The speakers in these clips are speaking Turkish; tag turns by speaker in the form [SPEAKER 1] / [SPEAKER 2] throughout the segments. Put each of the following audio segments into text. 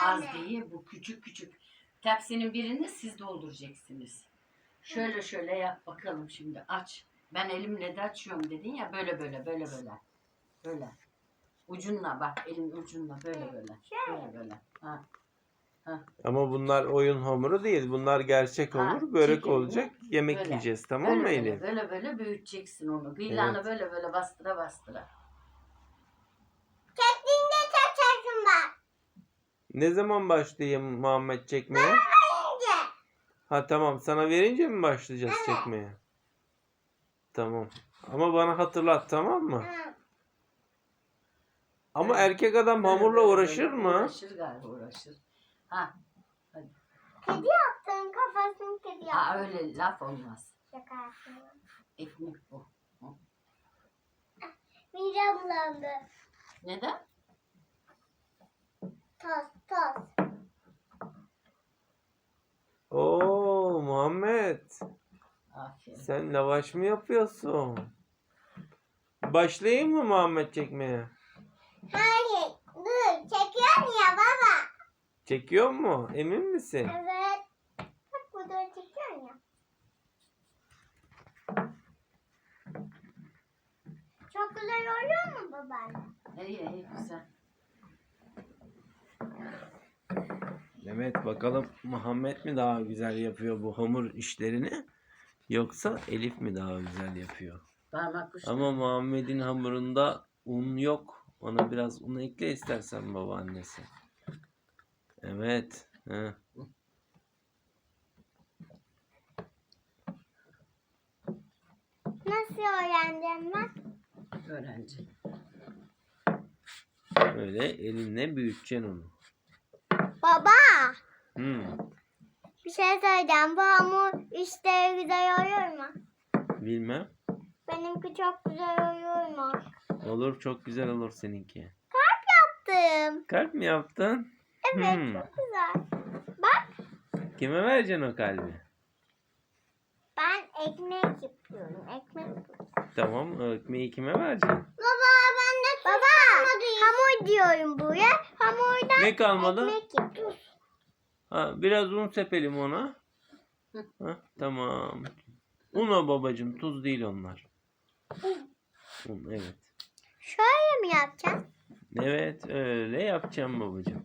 [SPEAKER 1] Az değil. Bu küçük küçük. Tepsinin birini siz dolduracaksınız. Şöyle şöyle yap bakalım şimdi. Aç. Ben elimle de açıyorum dedin ya. Böyle böyle böyle böyle. Böyle. Ucunla bak. Elin ucunla böyle böyle. Böyle böyle. Ha. Ha.
[SPEAKER 2] Ama bunlar oyun hamuru değil. Bunlar gerçek hamur.
[SPEAKER 1] Ha,
[SPEAKER 2] Börek
[SPEAKER 1] çekilini
[SPEAKER 2] olacak. Yemek
[SPEAKER 1] böyle,
[SPEAKER 2] yiyeceğiz. Tamam mı
[SPEAKER 1] böyle
[SPEAKER 2] Elif?
[SPEAKER 1] böyle böyle büyüteceksin onu. Gıylanı
[SPEAKER 2] Evet.
[SPEAKER 1] böyle böyle bastıra bastıra.
[SPEAKER 3] Çektiğinde çekersin bak.
[SPEAKER 2] Ne zaman başlayayım Muhammed çekmeye?
[SPEAKER 3] Önce.
[SPEAKER 2] Ha tamam. Sana verince mi başlayacağız çekmeye? Tamam. Ama bana hatırlat, tamam mı?
[SPEAKER 3] Hı.
[SPEAKER 2] Ama
[SPEAKER 1] Evet.
[SPEAKER 2] erkek adam hamurla
[SPEAKER 1] Böyle,
[SPEAKER 2] uğraşır
[SPEAKER 1] böyle
[SPEAKER 2] mı?
[SPEAKER 1] Uğraşır galiba uğraşır. Ha. Hadi.
[SPEAKER 3] Kedi yaptın, kafasını kedi yaptın.
[SPEAKER 1] Ha öyle laf olmaz.
[SPEAKER 3] Şaka yaptım.
[SPEAKER 1] Ekmek bu. Hı.
[SPEAKER 3] Midem bulandı.
[SPEAKER 1] Neden?
[SPEAKER 3] Toz.
[SPEAKER 2] Oo Muhammed.
[SPEAKER 1] Aferin.
[SPEAKER 2] Sen lavaş mı yapıyorsun? Başlayayım mı Muhammed çekmeye?
[SPEAKER 3] Hayır, dur. Çekiyorsun ya baba.
[SPEAKER 2] Çekiyor mu? Emin misin?
[SPEAKER 3] Evet. Bak burada çekiyorsun ya. Çok güzel oluyor mu babaanne?
[SPEAKER 1] İyi güzel.
[SPEAKER 2] Evet, bakalım Muhammed mi daha güzel yapıyor bu hamur işlerini, yoksa Elif mi daha güzel yapıyor?
[SPEAKER 1] Parmak uçları.
[SPEAKER 2] Ama Muhammed'in hamurunda un yok. Ona biraz un ekle istersen babaannesi. Evet. Heh.
[SPEAKER 3] Nasıl öğrendim ben?
[SPEAKER 1] Öğrenci.
[SPEAKER 2] Öyle elinle büyüteceksin onu.
[SPEAKER 3] Baba.
[SPEAKER 2] Hmm.
[SPEAKER 3] Bir şey söyleyeceğim. Bu hamur işte güzel oluyor mu?
[SPEAKER 2] Bilmem.
[SPEAKER 3] Benimki çok güzel oluyor mu?
[SPEAKER 2] Olur, çok güzel olur seninki.
[SPEAKER 3] Yaptım.
[SPEAKER 2] Kalp mi yaptın?
[SPEAKER 3] Evet,
[SPEAKER 2] Hmm.
[SPEAKER 3] çok güzel. Bak,
[SPEAKER 2] Kime vereceksin o kalbi?
[SPEAKER 3] ben ekmek yapıyorum. Ekmek yapıyorum.
[SPEAKER 2] Tamam, o ekmeği kime vereceksin?
[SPEAKER 3] Baba, ben de hamur diyorum buraya. Hamurdan
[SPEAKER 2] Ne kalmadı?
[SPEAKER 3] ekmek yapıyorum.
[SPEAKER 2] Ha, biraz un sepelim ona. Ha, tamam. Un o babacığım, tuz değil onlar. Un, evet.
[SPEAKER 3] Şöyle mi yapacağım?
[SPEAKER 2] Evet, öyle yapacağım babacığım.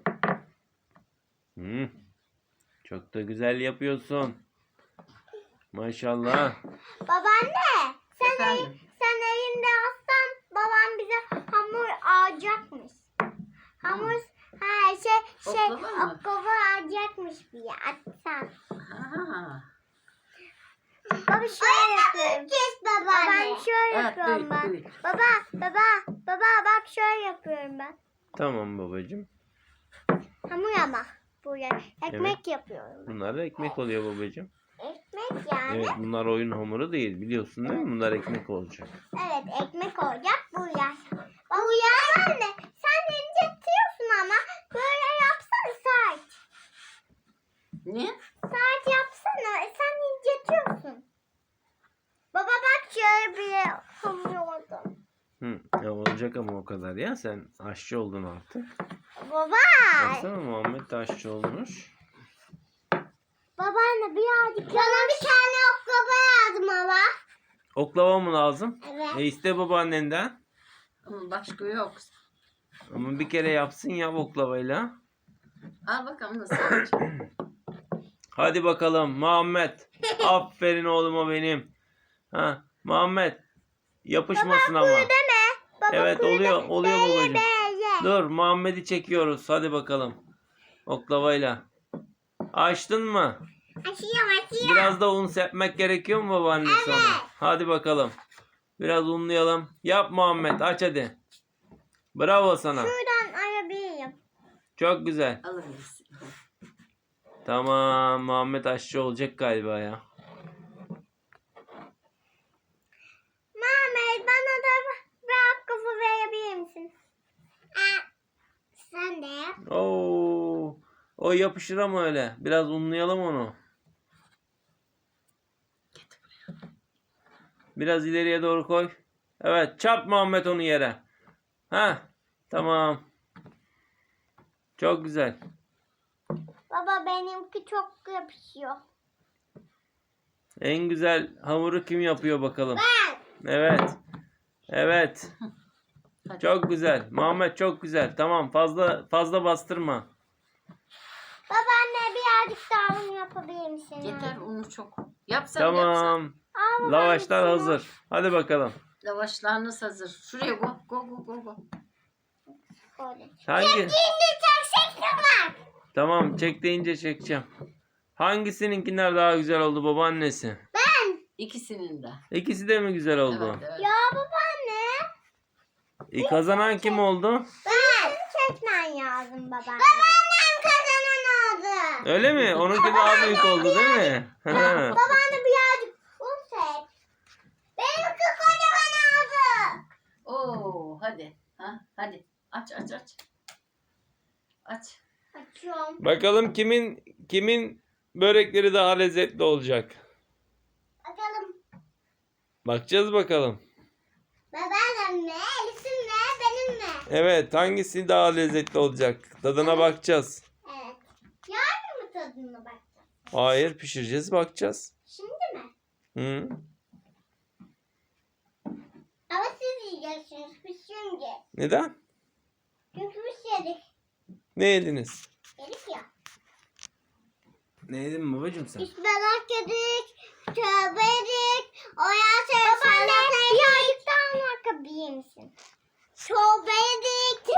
[SPEAKER 2] Çok da güzel yapıyorsun. Maşallah.
[SPEAKER 3] Babaanne,
[SPEAKER 1] Efendim?
[SPEAKER 3] sen elinde aslan babam bize hamur alacakmış. Hamur
[SPEAKER 1] Oklava mı?
[SPEAKER 3] oklava alacakmış bir atsan.
[SPEAKER 1] Ha.
[SPEAKER 3] Baba şöyle yapıyorum. Ben şöyle
[SPEAKER 1] Evet,
[SPEAKER 3] yapıyorum ben.
[SPEAKER 1] büyük.
[SPEAKER 3] Baba bak şöyle yapıyorum ben.
[SPEAKER 2] Tamam babacığım.
[SPEAKER 3] Hamur ama buraya ekmek yapıyorum.
[SPEAKER 2] Bunlar da ekmek oluyor babacığım.
[SPEAKER 3] Ekmek yani.
[SPEAKER 2] Evet, bunlar oyun hamuru değil, biliyorsun değil mi? Bunlar ekmek olacak.
[SPEAKER 3] Evet ekmek olacak buraya. Buraya anne sen incetiyorsun ama böyle yapsana saat.
[SPEAKER 1] Ne?
[SPEAKER 3] Saat yapsana sen incetiyorsun. Baba bak şöyle bir hamur oldu.
[SPEAKER 2] Ya olacak ama o kadar ya. Sen aşçı oldun artık.
[SPEAKER 3] Baba.
[SPEAKER 2] Baksana, Muhammed de aşçı olmuş.
[SPEAKER 3] Babaanne birazcık bana bir tane oklava yazdım ama.
[SPEAKER 2] Oklava mı lazım?
[SPEAKER 3] Evet.
[SPEAKER 2] İste babaannenden.
[SPEAKER 1] Ama başka yok.
[SPEAKER 2] Ama bir kere yapsın ya oklavayla.
[SPEAKER 1] Al bakalım nasıl yapacağım.
[SPEAKER 2] Hadi bakalım Muhammed. Aferin oğluma benim. Ha, Muhammed. Yapışmasın ama.
[SPEAKER 3] Deme. Baba
[SPEAKER 2] Evet,
[SPEAKER 3] kuyu
[SPEAKER 2] oluyor
[SPEAKER 3] deme.
[SPEAKER 2] oluyor babacığım.
[SPEAKER 3] Böyle.
[SPEAKER 2] Dur, Muhammed'i çekiyoruz. Hadi bakalım. Oklavayla. Açtın mı?
[SPEAKER 3] Açıyorum.
[SPEAKER 2] Biraz da un sepmek gerekiyor mu babaannesi ona? Hadi bakalım. Biraz unlayalım. Yap Muhammed, aç hadi. Bravo sana.
[SPEAKER 3] Şuradan alabilirim.
[SPEAKER 2] Çok güzel.
[SPEAKER 1] Alır mısın?
[SPEAKER 2] Tamam, Muhammed aşçı olacak galiba ya.
[SPEAKER 3] Mehmet bana da bir kafa verebilir misin? Sen de yap.
[SPEAKER 2] Oo, o yapışır ama öyle. Biraz unlayalım onu. Biraz ileriye doğru koy. Evet, çarp Muhammed onu yere. Ha, tamam. Çok güzel.
[SPEAKER 3] Baba benimki çok yapışıyor.
[SPEAKER 2] En güzel hamuru kim yapıyor bakalım?
[SPEAKER 3] Ben.
[SPEAKER 2] Evet. Evet.
[SPEAKER 1] Hadi.
[SPEAKER 2] Çok güzel. Muhammed çok güzel. Tamam, fazla bastırma.
[SPEAKER 3] Babaanne birazcık daha un yapabilir misin?
[SPEAKER 1] Yeter unu çok. Yapsan yapsan.
[SPEAKER 2] Tamam.
[SPEAKER 3] Aa, babaanne,
[SPEAKER 2] Lavaşlar
[SPEAKER 3] şunu-
[SPEAKER 2] hazır. Hadi bakalım.
[SPEAKER 1] Lavaşlarınız hazır. Şuraya go go go go go.
[SPEAKER 3] Böyle.
[SPEAKER 2] Hangi?
[SPEAKER 3] Şimdi çok şekli var.
[SPEAKER 2] Tamam, çek deyince çekeceğim. Hangisininkiler daha güzel oldu, babaannesi?
[SPEAKER 3] Ben.
[SPEAKER 1] İkisinin de.
[SPEAKER 2] İkisi de mi güzel oldu?
[SPEAKER 1] Evet, evet.
[SPEAKER 3] Ya babaanne.
[SPEAKER 2] Kazanan kim oldu?
[SPEAKER 3] Ben. Çekmen lazım babaanne. Babaannem kazanan oldu.
[SPEAKER 2] Öyle mi? Onunki daha büyük oldu değil mi?
[SPEAKER 3] Babaanne birazcık un çek. Benimki kocaman oldu.
[SPEAKER 1] Oo hadi. Ha hadi. Aç aç aç. Aç.
[SPEAKER 3] Açıyorum.
[SPEAKER 2] Bakalım kimin börekleri daha lezzetli olacak.
[SPEAKER 3] Bakalım.
[SPEAKER 2] Bakacağız bakalım.
[SPEAKER 3] Babaannem mi? Elif'in mi? Benim mi?
[SPEAKER 2] Evet, hangisi daha lezzetli olacak? Tadına bakacağız.
[SPEAKER 3] Evet. Yarın mı tadına bakacağız?
[SPEAKER 2] Hayır, pişireceğiz, bakacağız.
[SPEAKER 3] Şimdi mi?
[SPEAKER 2] Hı?
[SPEAKER 3] Ama siz yiyeceksiniz. Biz şimdi.
[SPEAKER 2] Neden?
[SPEAKER 3] Çünkü biz yedik.
[SPEAKER 2] Ne yediniz?
[SPEAKER 3] Yedik ya.
[SPEAKER 2] Ne yedin babacığım sen?
[SPEAKER 3] İspanak yedik. Çorba yedik. Babaanne birazcık daha bakabilir misin? Çorba yedik.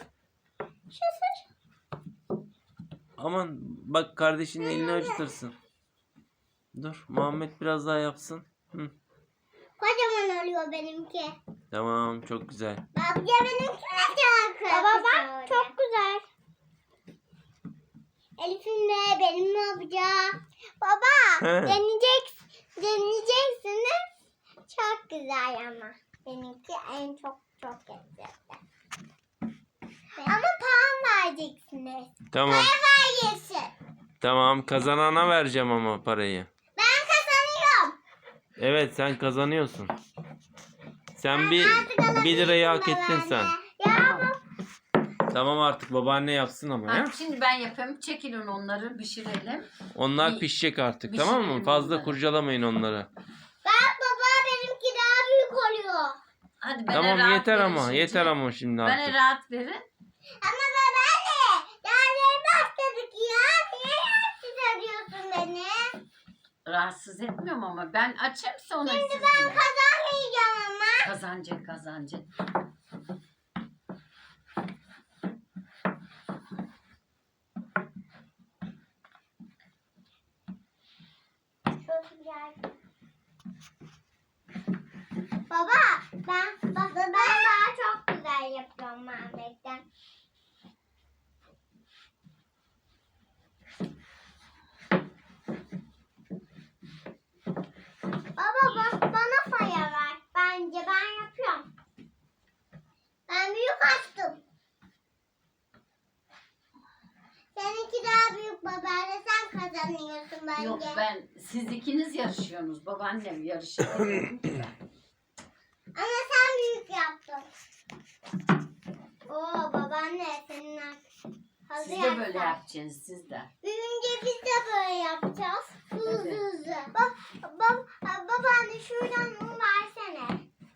[SPEAKER 2] Aman bak, kardeşinin elini acıtırsın. Dur, Muhammed biraz daha yapsın. Hı.
[SPEAKER 3] Kocaman oluyor benimki.
[SPEAKER 2] Tamam, çok güzel.
[SPEAKER 3] Baba benimki ne çok baba bak çok güzel. Elif'in de benim ne yapacak? Baba
[SPEAKER 2] He.
[SPEAKER 3] deneyeceksiniz. Çok güzel ama. Benimki en çok lezzetli. Ama puan vereceksiniz.
[SPEAKER 2] Tamam.
[SPEAKER 3] Ver yesin.
[SPEAKER 2] Tamam, kazanana vereceğim ama parayı.
[SPEAKER 3] Ben kazanıyorum.
[SPEAKER 2] Evet, sen kazanıyorsun. Sen
[SPEAKER 3] Ben
[SPEAKER 2] bir
[SPEAKER 3] artık alabilirim
[SPEAKER 2] 1 lirayı hak ettin
[SPEAKER 3] babaanne.
[SPEAKER 2] sen.
[SPEAKER 3] Ya
[SPEAKER 2] Tamam, artık babaanne yapsın ama ya.
[SPEAKER 1] Ha, şimdi ben yapayım. Çekilin onları pişirelim.
[SPEAKER 2] Onlar
[SPEAKER 1] Bir-
[SPEAKER 2] pişecek artık,
[SPEAKER 1] pişirelim
[SPEAKER 2] tamam mı? Fazla
[SPEAKER 1] onları.
[SPEAKER 2] kurcalamayın onları.
[SPEAKER 3] bak baba benimki daha büyük oluyor.
[SPEAKER 1] Hadi bana
[SPEAKER 2] Tamam,
[SPEAKER 1] rahat
[SPEAKER 2] yeter
[SPEAKER 1] verin
[SPEAKER 2] ama
[SPEAKER 1] şimdi.
[SPEAKER 2] yeter ama şimdi
[SPEAKER 1] Bana
[SPEAKER 2] artık.
[SPEAKER 1] rahat verin.
[SPEAKER 3] Ama babaanne daha yeni başladık ya. Niye rahatsız ediyorsun beni?
[SPEAKER 1] Rahatsız etmiyorum ama ben açayım sonra
[SPEAKER 3] Şimdi
[SPEAKER 1] siz
[SPEAKER 3] ben
[SPEAKER 1] yine.
[SPEAKER 3] kazanmayacağım ama.
[SPEAKER 1] Kazancı.
[SPEAKER 3] Çok güzel. Baba ben daha çok güzel yapıyorum Mehmet'ten. Baba bana paya ver. Bence ben yapıyorum. Ben büyük açtım. Seninki daha büyük babaanne sen kazanıyorsun bence.
[SPEAKER 1] Yok siz ikiniz yarışıyorsunuz. Babaannem yarışıyor.
[SPEAKER 3] Ama sen büyük yaptın. Oo babaanne senin hazır
[SPEAKER 1] Siz de böyle
[SPEAKER 3] yapsan.
[SPEAKER 1] yapacaksınız siz de.
[SPEAKER 3] Büyünce biz de böyle yapacağız. Hızlı
[SPEAKER 1] Evet.
[SPEAKER 3] hızlı. Babaanne şuradan un versene.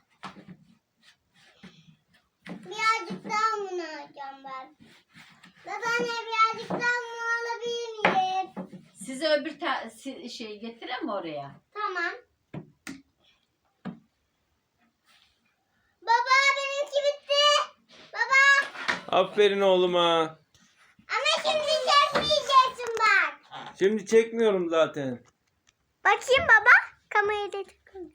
[SPEAKER 3] Birazcık daha un alacağım ben. Babaanne birazcık daha un alabilir miyim?
[SPEAKER 1] Size öbür şey getireyim mi oraya?
[SPEAKER 3] Tamam. Baba benimki bitti. Baba.
[SPEAKER 2] Aferin oğluma.
[SPEAKER 3] Ama şimdi çekmeyeceksin bak.
[SPEAKER 2] Şimdi çekmiyorum zaten.
[SPEAKER 3] Bakayım baba. Kamerayı da takın.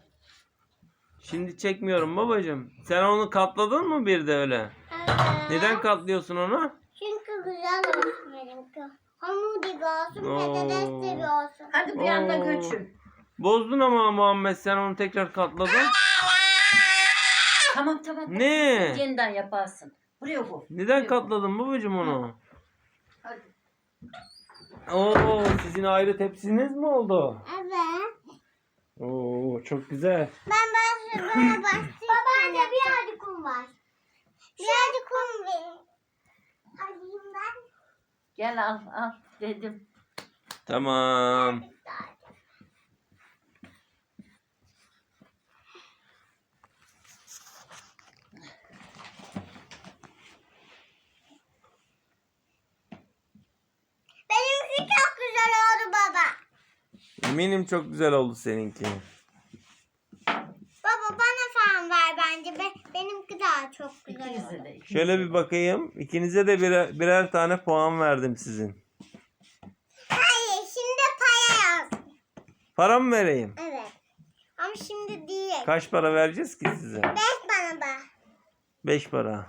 [SPEAKER 2] Şimdi çekmiyorum babacığım. Sen onu katladın mı bir de öyle? Neden katlıyorsun onu?
[SPEAKER 3] Çünkü güzel olsun benimki. Hamur gibi olsun,
[SPEAKER 2] Oo.
[SPEAKER 3] patates gibi olsun.
[SPEAKER 1] Hadi bir anda
[SPEAKER 2] Oo.
[SPEAKER 1] göçün.
[SPEAKER 2] Bozdun ama Muhammed, sen onu tekrar katladın.
[SPEAKER 1] Tamam.
[SPEAKER 2] Ne?
[SPEAKER 1] Yeniden yaparsın. Buraya bu.
[SPEAKER 2] Neden katladın babacığım onu?
[SPEAKER 1] Hadi.
[SPEAKER 2] Oo, sizin ayrı tepsiniz mi oldu?
[SPEAKER 3] Evet.
[SPEAKER 2] Oo, çok güzel.
[SPEAKER 3] Ben bana başlayayım. Babaanne birazcık un var. Birazcık un verin. Alayım ben.
[SPEAKER 1] Gel al dedim.
[SPEAKER 2] Tamam.
[SPEAKER 3] Benimki çok güzel oldu baba.
[SPEAKER 2] Eminim çok güzel oldu seninki.
[SPEAKER 3] Baba bana falan ver bence. Benimki daha çok güzel
[SPEAKER 1] İkinize
[SPEAKER 3] oldu.
[SPEAKER 1] de. ikinize
[SPEAKER 2] Şöyle
[SPEAKER 1] de.
[SPEAKER 2] bir bakayım. İkinize de birer tane puan verdim sizin.
[SPEAKER 3] Hayır şimdi para yaz.
[SPEAKER 2] Para mı vereyim?
[SPEAKER 3] Evet. Ama şimdi değil.
[SPEAKER 2] Kaç para vereceğiz ki size?
[SPEAKER 3] 5 bana bak.
[SPEAKER 2] 5 para.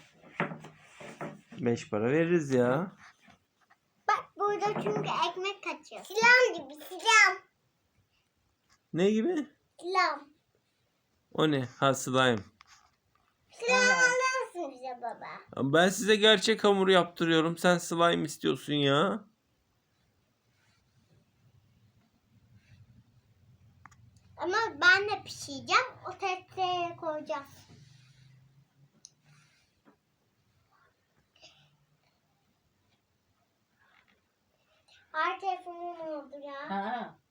[SPEAKER 2] 5 para veririz ya.
[SPEAKER 3] Bak burada çünkü ekmek kaçıyor. Silah gibi silah.
[SPEAKER 2] Ne gibi?
[SPEAKER 3] Silah.
[SPEAKER 2] O ne? Ha, slime.
[SPEAKER 3] Silah alır mısın bize baba?
[SPEAKER 2] Ben size gerçek hamur yaptırıyorum. Sen slime istiyorsun ya.
[SPEAKER 3] Ama ben de pişireceğim. O tepsiye koyacağız. Her telefonum oldu ya.
[SPEAKER 1] Ha.